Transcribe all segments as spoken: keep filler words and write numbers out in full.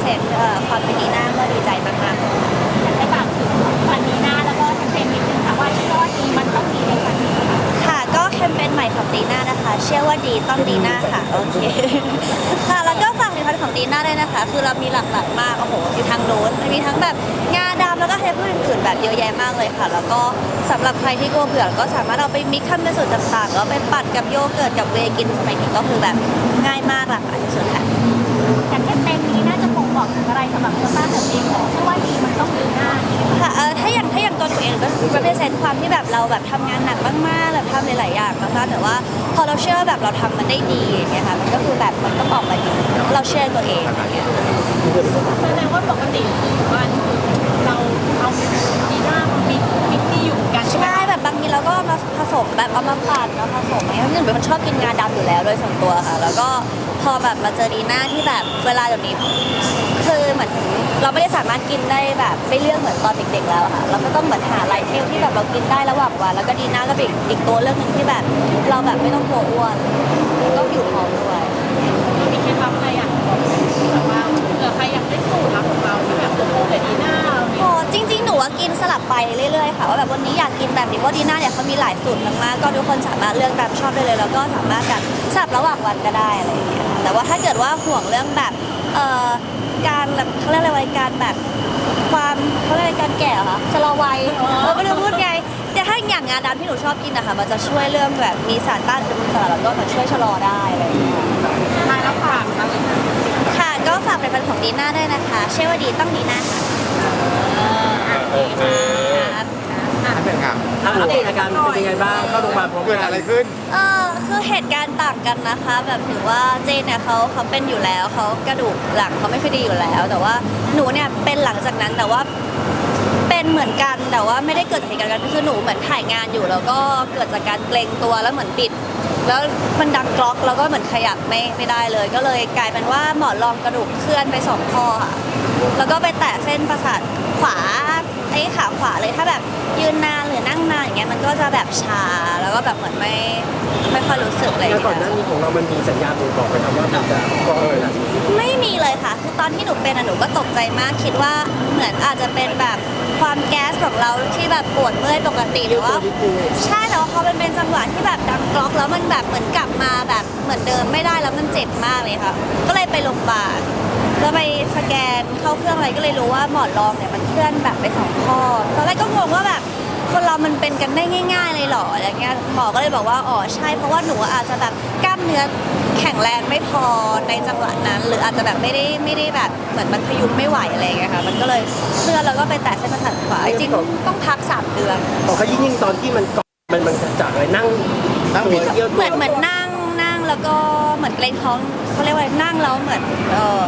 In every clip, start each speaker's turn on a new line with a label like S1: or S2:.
S1: represent เอ่อความเป็นดีน่าก็ดีใจมากๆ
S2: อยากให้ฝากถึงวันดีน่าแล้วก็แคมเปญนิดนึงค่ะว่าชื่อว่าดีมันต้องดีในครั้งนี้ค่ะ
S1: ค่ะก็แคมเปญใหม่ของดีน่านะคะเชื่อว่าดีต้องดีน่าค่ะโอเคค่ะแล้วก็ฝากผลิตภัณฑ์ของดีน่าด้วยนะคะคือเรามีหลากหลายมากโอ้โหอยู่ทางโน้นมีทั้งแบบงาดำแล้วก็เทปอื่นๆแบบเยอะแยะมากเลยค่ะแล้วก็สำหรับใครที่กลัวเบื่อก็สามารถเอาไปมิกซ์ทำเป็นสูตรต่างๆแล้วไปปั่นกับโยเกิร์ตกับเวย์กินสมัยนี้ก็คือแบบง่ายมากหลากหลายสุดๆค่ะ
S2: แต่แคมเปญนี้น่าจะบ่งบอกถึงอะไรสำหรับตัวต้าเธอเองของชื่อว่าดีมันต้องดีหน้า
S1: ค่ะเออถ้าอย่างถ้าอย่างตัวหนูเองก็ represent ความที่แบบเราแบบทำงานหนักมากๆแบบทำหลายๆอย่างมากๆแต่ว่าพอเราเชื่อแบบเราทำมันได้ดีอย่างเงี้ยค่ะมันก็คือแบบมันก็ออกมาดีเราเชื่อตัวเองอย่างเงี้ย
S2: แสดงว่าปกติวันเราเอาดีหน้ามิกมิกที่อยู่กันใช่ไหม
S1: ใช่แบบบางทีเราก็เอามาผสมแบบเอามาปั่นมาผสมอะไรเงี้ยหนึ่งเป็นคนชอบกินงาดำอยู่แล้วโดยส่วนตัวค่ะแล้วก็พอแบบมาเจอดีน่าที่แบบเวลาแบบนี้คือเหมือนเราไม่ได้สามารถกินได้แบบไม่เลือกเหมือนตอนเด็กๆแล้วอะค่ะเราก็ต้องเหมือนหาไลฟ์เทลที่แบบเรากินได้ระหว่างวันแล้วก็ดีน่าก็เป็นอีกตัวเลือกหนึ่งที่แบบเราแบบไม่ต้องกลัวอ้วนก็อยู่ท้องด้วย
S2: มีเคล็ดลับอะไรอ่ะบอกแบบว่าเผื่อใครอยากได้สูตรลับของเราที่แบบโอ้โหแต่ดีหน้าเราเนี่ย
S1: โอ้จริงๆ หนูว่ากินสลับไปเรื่อยๆ ค่ะว่าแบบวันนี้อยากกินแบบนี้เพราะดีน่าเนี่ยเขามีหลายสูตรมากๆ ก็ทุกคนสามารถเลือกตามชอบได้เลย แล้วก็สามารถแบบสลับระหว่างวันก็ได้อะไรอย่างเงี้ยค่ะแต่ว่าถ้าเกิดว่าห่วงเรื่องแบบเอ่อการแบบเขาเรียกอะไรวะการแบบความเขาเรียกอะไรการแก่เหรอคะชะลอวัยเออไม่รู้พูดไงแต่ถ้าอย่างงาดำที่หนูชอบกินนะคะมันจะช่วยเรื่องแบบมีสารต้านอนุมูลอิสระแล้วก็มันช่วยชะลอได้อะไรอย่างเงี้ย
S2: สุดท้ายแล้วฝากอะไรนะ
S1: ค่ะก็ฝากเป็นพันของดีน่าด้วยนะคะเชื่อว่าดีต้องดีน่าค่ะ
S3: โอเค
S1: ครับ
S3: อันเป็นไง
S4: อัปเดตอาการเป็นยังไงบ้างเข้าโรงพยาบาลพร้อม
S3: เกิด
S4: กั
S3: อะไร
S4: น
S3: ขึ้น
S1: เออคือเหตุการณ์ต่างกันนะคะ แบบถือว่าเจนเนี่ยเขาเขาเป็นอยู่แล้วเขากระดูกหลังเขาไม่ค่อยดีอยู่แล้ว แต่ว่าหนูเนี่ยเป็นหลังจากนั้นแต่ว่าเป็นเหมือนกันแต่ว่าไม่ได้เกิดจากเหตุการณ์กันคือหนูเหมือนถ่ายงานอยู่ แล้วก็เกิดจากการเกรงตัวแล้วเหมือนปิด แล้วมันดังกรอกแล้วก็เหมือนขยับไม่ไม่ได้เลย ก็เลยกลายเป็นว่าหมอนรองกระดูกเคลื่อนไปสองข้อค่ะแล้วก็ไปแตะเส้นประสาทขวาไอ้ขาขวาเลยถ้าแบบยืนนานหรือนั่งนานอย่างเงี้ยมันก็จะแบบชาแล้วก็แบบเหมือนไม่ไม่ค่อยรู้สึกอะไรอย่าง
S4: แล้ว
S1: เงี้
S4: ก่อนหน้าย นี้ของเรามันมีสัญญาณบ่งบอกไหมครับว่ามันจะก่ออะไร
S1: ไม่มีเลยค่ะ คือตอนที่หนูเป็นอะหนูก็ตกใจมาก คิดว่าเหมือนอาจจะเป็นแบบความแก๊สของเราที่แบบปวดเมื่อยปกติหรือว่า ใช่แต่ว่าพอมันเป็นจังหวะที่แบบดังกรอกแล้วมันแบบเหมือนกลับมาแบบเหมือนเดิมไม่ได้แล้วมันเจ็บมากเลยค่ะ ก็เลยไปโรงพยาบาลแล้วไปสแกนเข้าเครื่องอะไรก็เลยรู้ว่าหมอนรองเนี่ยมันเคลื่อนแบบไปสองข้อตอนแรกก็งงว่าแบบคนเรามันเป็นกันได้ง่าย ๆ เลยเหรออะไรเงี้ยหมอก็เลยบอกว่าอ๋อใช่เพราะว่าหนูอาจจะแบบกล้ามเนื้อแข็งแรงไม่พอในจังหวะนั้น หรืออาจจะแบบไม่ได้ไม่ได้แบบเหมือนมันพยุงไม่ไหวอะไรอย่างเงี้ยค่ะมันก็เลยเคลื่อนแล้วก็ไปแตะเส้นประสาทขวาจริงๆต้องพักสามเดือน
S4: ต่อเขายิ่งๆตอนที่มันเกาะมันมันจากอะไรนั่ง
S3: นั่ง
S4: ตัวเยี่ยว
S1: เหมือนเหมือนนั่งนั่งแล้วก็เหมือนเกรงท้องเขาเรียกว่านั่งแล้วเหมือนเออ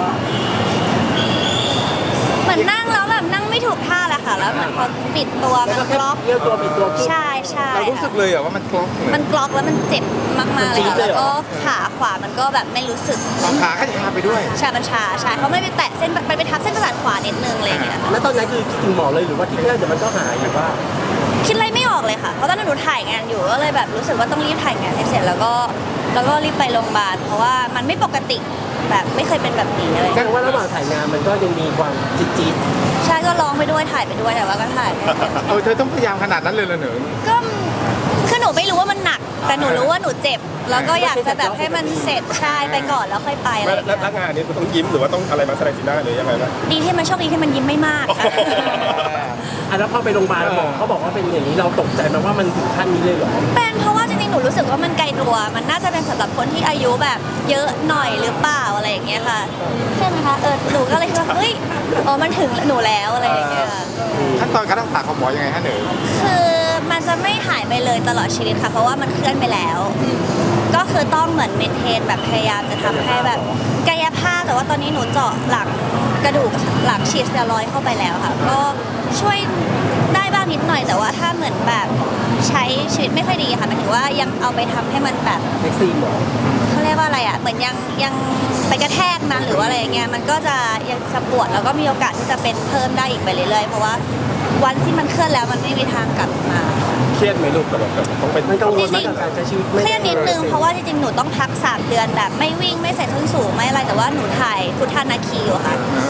S1: เหมือนนั่งแล้วแบบนั่งไม่ถูกท่าแหละค่ะ แล้วเหมือนพอปิดตัว
S4: แล้ว
S1: มัน
S4: ก็
S1: ก
S4: แค่
S1: ล็อก
S4: เยี่ยวตัวปิดตัวขึ้น
S1: ใช่ใช่
S3: เรารู้สึกเลยเหรอว่ามันกลอกเลย
S1: มันกล็อกแล้วมันเจ็บมากๆเลยค่ะ
S4: มันจี๊ดเลย
S1: แล้ว
S4: เหรอ
S1: ก็ขาขวามันก็แบบไม่รู้สึก
S3: เอาขาก็ชาไปด้วย
S1: ชาบัญชาใช่เขาไม่ไปแตะเส้นไปไปทับเส้นประสาทขวานิดนึงอะไรอย่างเงี้ย
S4: แล้วตอนนั้นคือคิดถึงหมอเลยหรือว่าคิดแค่เดี๋ยวมันก็หายหรือว่า
S1: คิดอะไรไม่ออกเลยค่ะ เพราะตอนนั้นหนูถ่ายงานอยู่ก็เลยแบบรู้สึกว่าต้องรีบถ่ายงานให้เสร็จแล้วก็แล้วก็รีบไปโรงพยาบาลเพราะว่ามันไม่ปกติแบบไม่เคยเป็นแบบนี้อะไร
S4: แสดงว่าระหว่างถ่ายงานมันก็ยังมีความจี๊ด
S1: ใช่ก็ร้องไปด้วยถ่ายไปด้วยแต่ว่าก็ถ่ายไม่เสร็จ
S3: เออเธอต้องพยายามขนาดนั้นเลยเหรอหนู
S1: ก็คือหนูไม่รู้ว่ามันหนัก แต่หนูรู้ว่าหนูเจ็บ แล้วก็อยากจะแบบให้มันเสร็จใช่ไปก่อนแล้วค่อยไปอะไรอย่าง
S5: แล้
S1: เงี้
S5: วย งานนี้ต้องยิ้มหรือว่าต้องอะไรมาแสดงสีหน้าหรือยังไงบ้าง
S1: ดีที่มันโชคดีที่มันยิ้มไม่มากค่ะ
S4: ๆอ่ะแล้วพอไปโรงพยาบาลหมอเขาบอกว่าเป็นอย่างนี้เราตกใจไหมว่ามันถึงขั้นนี้เลยเหรอ
S1: เป็นเพราะว่าจริงๆ หนูรู้สึกว่ามันไกลตัว มันน่าจะเป็นสำหรับคนที่อายุแบบเยอะหน่อยหรือเปล่าอะไรอย่างเงี้ยค่ะ ใช่ไหมคะ เออ หนูก็เลยคิดว่าเฮ้ยอ๋อมันถึงหนูแล้วอะไรอย่างเงี้ย
S3: ขั้นตอนการรักษาของหมอยังไงฮะหนู
S1: คือมันจะไม่หายไปเลยตลอดชีวิตค่ะ เพราะว่ามันเคลื่อนไปแล้ว ก็คือต้องเหมือนเมนเทนแบบพยายามจะทำให้แบบกายภาพแต่ว่าตอนนี้หนูเจาะหลังกระดูกหลังฉีดสเตียรอยด์เข้าไปแล้วค่ะ ก็ช่วยได้บ้างนิดหน่อยแต่ว่าถ้าเหมือนแบบใช้ชีวิตไม่ค่อยดีค่ะหมายถึงว่ายังเอาไปทำให้มันแบบ
S4: เซ็กซี่หมอ
S1: เขาเรียกว่าอะไรอ่ะเหมือนยังยังไปกระแทกนั้นหรือว่าอะไรอย่างเงี้ยมันก็จะยังจะปวดแล้วก็มีโอกาสที่จะเป็นเพิ่มได้อีกไปเรื่อยๆเพราะว่าวันที่มันเคลื่อนแล้วมันไม่มีทางกลับมา
S5: เครียดไหมลูกกับแบบต้องเป็น
S4: มันกังวลมากกับการใช้ชีวิต
S1: เครียดนิดนึงเพราะว่าจริงๆ หนูต้องพักสามเดือนแบบไม่วิ่งไม่ใส่ส้นสูงไม่อะไรแต่ว่าหนูถ่ายพุทธานาคีอยู่ค่ะ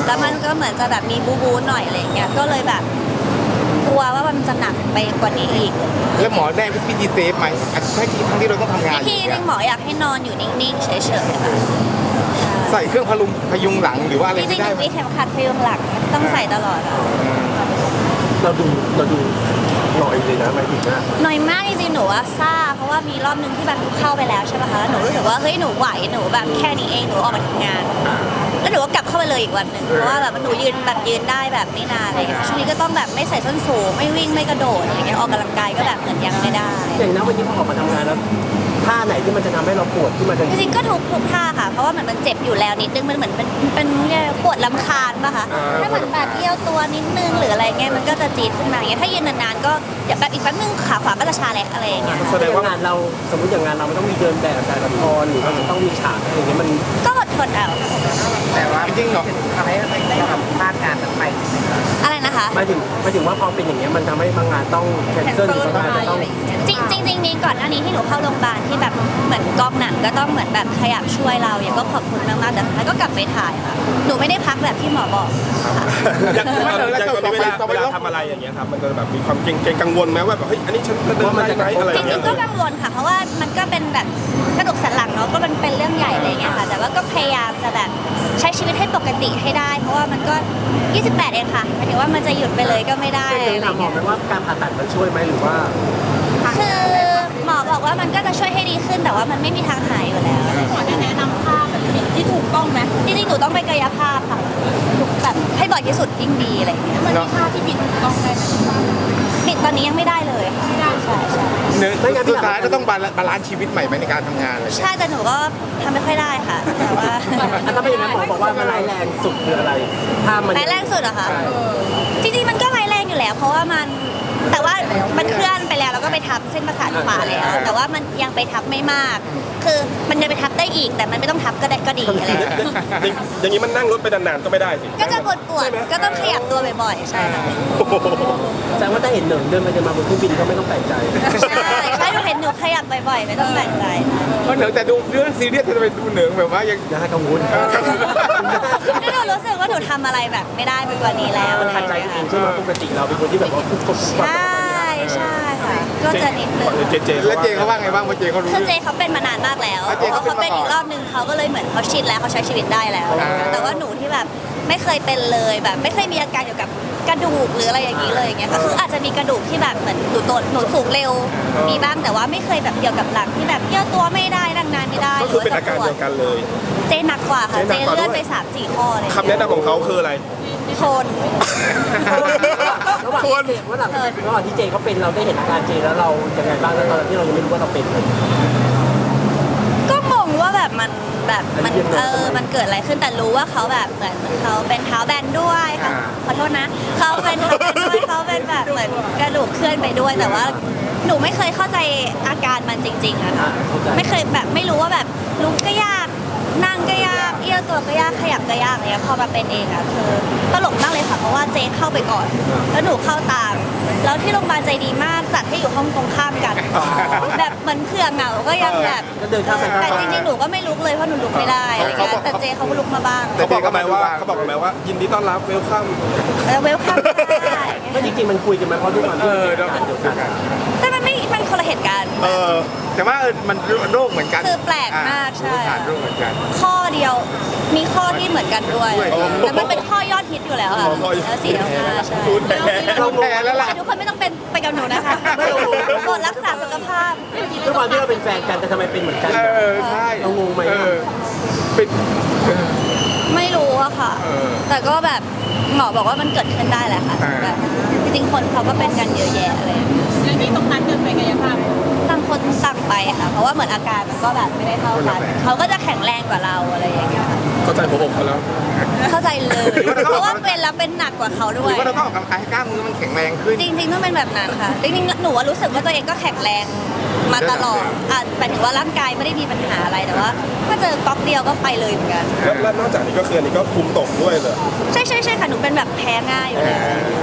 S1: แล้วมันก็เหมือนจะแบบมีบูบูหน่อยอะไรอย่างเงี้ยก็เลยแบบกลัวว่ามันจะหนักไปกว่านี้อีก
S3: แล้วหมอได้วิธีเซฟไหมใช่ที่ทั้งที่เราต้องทำงาน
S1: วิ
S3: อ
S1: ธี
S3: ยู่
S1: หนึ
S3: เนี่ย
S1: งหมออยากให้นอนอยู่นิ่งๆเฉยๆค่ะ
S3: ใส่เครื่องพลุงพยุงหลังหรือว่าอะไร
S1: จริ
S3: ไม่
S1: งๆห
S3: ได้
S1: นู
S3: ไหม
S1: มีเข็มขัดพยุงหลังต้องใส่ตลอดอะ
S4: เราดูเราดูหน่อยเลยนะหมายถึงนะ
S1: หน่อยมากจริงๆหนูว่าซ่าเพราะว่ามีรอบนึงที่แบบหนูเข้าไปแล้วใช่ป่ะคะแล้วหนูรู้สึกว่าเฮ้ยหนูไหวหนูแบบแค่นี้เองหนูออกมาทำงาน แล้วหนูก็กลับเข้าไปเลยอีกวันหนึ่งเพราะว่าแบบหนูยืนแบบยืนได้แบบไม่นานอะไรอย่างเงี้ยช่วงนี้ก็ต้องแบบไม่ใส่ส้นสูงไม่วิ่งไม่กระโดดอะไรเงี้ยออกกำลังกายก็แบบเหมือนยังไม่ได้
S4: อย่างนั้นวันนี้พอออกมาทำงานแล้วท่าไหนที่มันจะทำให้เราปวดที่มันจะ
S1: จริงๆก็ทุกทุกท่าค่ะ เพราะว่าเหมือนมันเจ็บอยู่แล้วนิดนึงมันเหมือนเป็นเป็นปวดลำคาญป่ะคะถ้าเหมือนแบบเอี้ยวตัวนิดนึงหรืออะไรเงี้ยมันก็จะจี๊ดขึ้นมาอย่างเงี้ยถ้ายืนนานๆก็เดี๋ยวแบบอีกแป๊บนึงขาขวาก็จะชาแหลกอะไรอย่างเงี้ย
S4: แสดงว่างานเราสมมติอย่างงานเรามันต้องมีเดินแบบการละครหรือว่ามันต้องมีฉากอะไรอย่างเงี้ยมัน
S1: ก็อดทนเอา
S3: แต่ว่าจริงๆเหรอ
S6: ทำให้ได้ทำพลาดงานนั้นไป
S1: อะไรนะคะ
S4: หมายถึงหมายถึงว่าพอเป็นอย่างเงี้ยมันทำให้บางงานต้องแคนเซิลหรือบางงานจะต้อง
S1: จริงจริงจริงๆมีก่อนหน้านี้ที่หนูเข้าโรงพยาบาลที่แบบเหมือนกองหนังก็ต้องเหมือนแบบขยับช่วยเราอย่างก็ขอบคุณมากๆแต่สุดท้ายก็กลับไปถ่ายค่ะหนูไม่ได้พักแบบที่หมอบอกค่ะ
S5: อย่างตอนอย่างตอนนี้เวลาเวลาทำอะไรอย่างเงี้ยครับมันจะแบบมีความเกรงเกรงกังวลไหมว่าแบบเฮ้ยอันนี้ฉันจะเดินได้ไหมอะไรอ
S1: จ
S5: ย่างเงี้
S1: ริ
S5: ย
S1: งๆก็กังวลค่ะ เพราะว่ามันก็เป็นแบบกระดูกสันหลังเนาะก็มันเป็นเรื่องใหญ่อะไรเงี้ยค่ะ แต่ว่าก็พยายามจะแบบใช้ชีวิตให้ปกติให้ได้ เพราะว่ามันก็ยี่สิบแปดเองค่ะหมายถึงว่ามันจะหยุดไปเลยก็ไม่ได้
S4: เคย
S1: อะไร
S4: ถามหมอ
S1: เงี้ย
S4: ไหมว่าการผ่าตัดมันช่วยไหมหรือว่า
S1: คือหมอบอกว่ามันก็จะช่วยให้ดีขึ้นแต่ว่ามันไม่มีทางหายอยู่แล้ว
S2: หมอจะแนะนำท่าแบบที่ถูกต้องไหม
S1: จริงๆหนูต้องไปกายภาพค่ะแบบให้บ่อยที่สุดยิ่งดีอะไรเงี้ย
S2: มันมีท่าที่บิดถูกต้องได้ไหม
S1: ปิดตอนนี้ยังไม่ได้เลยค่ะไม่ได้ใช่ใช่
S3: เนื้อสุดท้ายก็ต้องบาลานซ์ชีวิตใหม่ไหมในการทำงานอะไรอย่างเงี้ย
S1: ใช่แต่หนูก็ทำไม่ค่อยได้ค่ะแต่ว่า
S4: อันนั้นเป็นอย่างนั้นหมอบอกว่ามันร้ายแรงสุดคืออะไร ถ้ามัน
S1: ร้ายแรงสุดเหรอคะ
S4: ใช่
S1: จริงๆมันก็ร้ายแรงอยู่แล้ว เพราะว่ามันแต่ว่ามันเคลื่อนไปแล้วแล้วก็ไปทับเส้นประสาทขวาแล้ว แต่ว่ามันยังไปทับไม่มาก คือมันจะไปทับได้อีก แต่มันไม่ต้องทับก็ได้ก็ดีอะไรอย่างเงี้ย
S5: อย่างอย่างนี้มันนั่งรถไปนานๆก็ไม่ได้สิ
S1: ก็จะปวดปวดๆก็ต้องขยับตัวบ่อยๆใช่ค่ะ
S4: แสดงว่าถ้าเห็นเหนิงเดินไปเดินมาบนเครื่องบินก็ไม่ต้องแปลกใจ
S1: ใช่ใช่หนูเห็นหนูขยับบ่อยๆไม่ต้องแปลกใจค่ะ
S3: เพราะเหนือแต่ดูเรื่องซีเรียสจะไปดูเหนือแบบว่ายัง
S4: อย่าให้กังวล
S1: นี่หนูรู้สึกว่าหนูทำอะไรแบบไม่ได้ไปกว่านี้แล้ว
S4: มันขัดใจตัวเองใช่ไหมปกติเราเป็นคนที่แบบว่าฟุบฟุบฟุบฟุบ
S1: ใช่ใช่ค่ะ ก็จะนิดนึง
S5: เจเจ
S3: แล้วเจเขาว่าไงบ้างเพราะเจเขารู้
S1: คือเจเขาเป็นมานานมากแล้ว
S3: อ่ะเจ
S1: พอ
S3: เขา
S1: เขา
S3: เป็
S1: เป็น
S3: นมาก่อน
S1: อีกรอบนึงเขาก็เลยเหมือนเขาชินแล้วเขาใช้ชีวิตได้แล้ว
S3: อ่า
S1: แต่ว่าหนูที่แบบไม่เคยเป็นเลยแบบไม่เคยมีอาการเกี่ยวกับกระดูกหรืออะไรอย่างนี้เลยอย่างเงี้ยก็คืออาจจะมีกระดูกที่แบบเหมือนหนูโตหนูสูงเร็ว มีบ้างแต่ว่าไม่เคยแบบเกี่ยวกับหลังที่แบบเยี่ยวตัวไม่ได้นั่งนานไม่ได้
S5: ก็คือเป็นอาการ
S1: ปว
S5: เดียวกันเลย
S1: เจหนักกว่าค่ะ
S5: เจ
S1: เจ
S5: หนักกว่า
S1: เลื่อน
S5: ด้วย
S1: ไปสามสี่ข้อเลย
S5: คำแนะนำของเขาคืออะไร
S1: ทน
S4: ระหว่างที่เจระหว่างระหว่างที่เจเขาเป็นเราได้เห็นอาการเจแล้วเรายังไงบ้างแล้วตอนที่เรายังไม่รู้ว่าเราเป็นเลย
S1: ก็งงว่าแบบมันแบบมันเออมันเกิดอะไรขึ้นแต่รู้ว่าเขาแบบเหมือนเขาเป็นเท้าแบนด้วยค่ะขอโทษนะเขาเป็นเท้าแบนด้วยเขาเป็นแบบเหมือนกระดูกเคลื่อนไปด้วย แต่ว่าหนูไม่เคยเข้าใจอาการมันจริงๆอะค่ะไม่เคยแบบไม่รู้ว่าแบบลุกก็ยากนั่งก็ยากเอี้ยวตัวก็ยากขยับก็ยากอะไรเงี้ยพอมาเป็นเองอะคือตลกมากเลยค่ะเพราะว่าเจ๊เข้าไปก่อน แล้วหนูเข้าตาม แล้วที่โรงพยาบาลใจดีมากจัดให้อยู่ห้องตรงข้ามกัน แบบเหมือนเผื่อเหงาก็ยังแบบ
S4: ก็เดินข้ามไปข้าม
S1: แต่
S4: มา
S1: จริงๆหนูก็ไม่ลุกเลยเพราะหนูลุกไม่ได้อะไรเงี้ยแต่เจเขาก็ลุกมาบ้าง
S5: เขาบอกกันไหมว่าเขาบอกกันไหมว่า ยินดีต้อนรับเวลคัม
S1: แล้วเวลคัมได้
S4: ก็จริงๆมันคุยกันไหมเพราะด้วยความที่มันเป็นอาการเดียวกัน
S1: แต่มันไม่มันคนละเหตุการณ์
S5: เออ
S3: แต่ว่าเออมันโรคเหมือนกัน
S1: คือแปลกมากใช่
S3: ผ่านโรคเหมือนกัน
S1: ข้อเดียวมีข้อที่เหมือนกันด้วย
S3: ด้วย
S1: แต่มันเป็นข้อยอดฮิตอยู่แล้วค่ะ
S5: อ๋อข้อยอด
S1: แล้วสี่แล้วห้าใช่
S5: พูดแพ้
S3: เราแพ้แล้วล่ะ
S1: ทุกคนไม่ต้องเป็นไปกับหนูนะคะกดรักษาสุขภาพ
S4: ด้วยความที่เราเป็นแฟนกันแต่ทำไมเป็นเหมือนกัน
S3: เออใช่
S4: เรางงไหม
S3: เออเป็นเออ
S1: ไม่รู้อะค่ะ
S3: เออ
S1: แต่ก็แบบหมอบอกว่ามันเกิดขึ้นได้แหละค่ะ
S3: อ่า
S1: แบบจริงๆคนเขาก็เป็นกันเยอะแยะอะไรอย่างเงี้ย
S2: แล้วนี่ตรงนั้นเกิดไปกายภาพ
S1: ต่างคนต่างไปค่ะ เพราะว่าเหมือนอาการมันก็แบบไม่ได้เท่ากัน เขาก็จะแข็งแรงกว่าเราอะไรอย่างเงี้ยค่ะ
S5: เข้าใจหัวอกเขาแล้ว
S1: เข้าใจเลย เพราะว่าเป็นแล้วเป็นหนักกว่าเขา
S3: ห
S1: ด้
S3: รื
S1: วย
S3: อว่าเราต้องออกกำลังกายให้กล้ามเนื้อมันแข็งแรงขึ้น
S1: จริงๆต้องเป็นแบบนั้นค่ะ จริงๆหนูว่ารู้สึกว่าตัวเองก็แข็งแรงมาตลอดอ่ะหมายถึงว่าร่างกายไม่ได้มีปัญหาอะไรแต่ว่าถ้าเจอก๊อกเดียวก็ไปเลยเหมือนกัน
S5: แล้วแล้วนอกจากนี้ก็คืออันนี้ก็คุมตกด้วยเลย
S1: ใช่ใช่ใช่ค่ะหนูเป็นแบบแพ้ง่ายอยู่แล้ว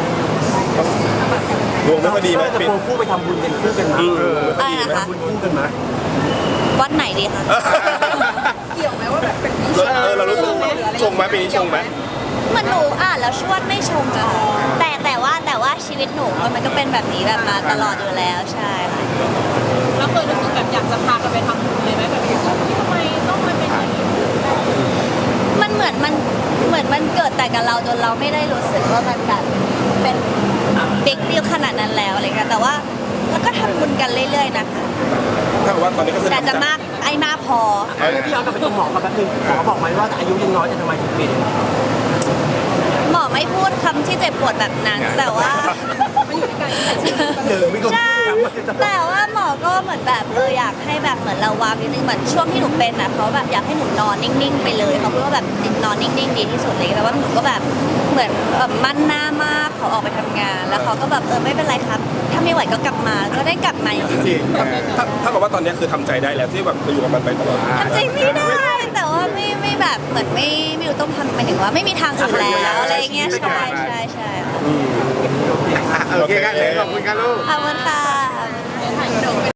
S5: ดวงไม่ค่อยดีไหม
S4: จะ
S5: ปิด
S4: ควงคู่ไปทำบุญกันคู่กันมั้ย
S5: เออ
S1: อะไรนะคะ
S4: ทำบุญคู่กันมั้ย
S1: วัดไหนดีคะ
S2: เกี่ยวไหมว่าแบบเป็น
S5: เราเออเรารู้สึกชงไหมปีนี้ชงไหม
S1: เหมือนหนูอ่านแล้วชวดไม่ชงอะค่ะแต่แต่ว่าแต่ว่าชีวิตหนูมันก็เป็นแบบนี้แบบมาตลอดอยู่แล้วใช่ค่ะ
S2: แล้วเคยรู้สึกแบบอยากจะพากันไปทำบุญเลยไหมแบบทำไมต้องมาเป็นอย่างนี้
S1: มันเหมือนมันเหมือนมันเกิดแต่กับเราจนเราไม่ได้รู้สึกว่ามันแบบเป็นบิ๊กดีลขนาดนั้นแล้วอะไรเงี้ยแต่ว่าแล้วก็ทำบุญกันเรื่อยๆนะคะ
S5: ถ้าว่าตอนนี้ก็คือ
S1: แต่จะมากไอ้มากพอ
S4: พี่ย้อนกลับไปตรงหมอกับแป๊บนึงหมอบอกไหมว่าอายุยังน้อยจะทำไมถึงเปลี่ยน
S1: หมอไม่พูดคำที่เจ็บปวดแบบนั้น แต่ว่า
S4: เดินไม่ก็
S1: ใช่แต่ว่าหมอก็เหมือนแบบเอออยากให้แบบเหมือนเราวางจริงๆเหมือนช่วงที่หนูเป็นอ่ะเขาแบบอยากให้หนูนอนนิ่งๆไปเลยเขาพูดว่าแบบนอนนิ่งๆดีที่สุดเลยแต่ว่าหนูก็แบบเหมือนเอ่อมั่นหน้ามากเขาออกไปทำงาน แล้วเขาก็แบบเออไม่เป็นไรครับ ถ้าไม่ไหวก็กลับมาก็ได้กลับมาอยู่
S3: จริง
S5: ถ้าถ้ากับว่าตอนนี้คือทำใจได้แล้วที่แบบไปอยู่กับมันไปตลอด
S1: ทำใจไม่ได้ แต่ว่าไม่ไม่แบบเหมือนไม่ไม่รู้ต้องทำหมายถึงว่าไม่มีทางอื่นแล้วอะไรเงี้ยใช่ใช่ใช่ค่ะ
S3: โอเคกันเลยขอบคุณครับลูก
S1: ขอบคุณค่ะ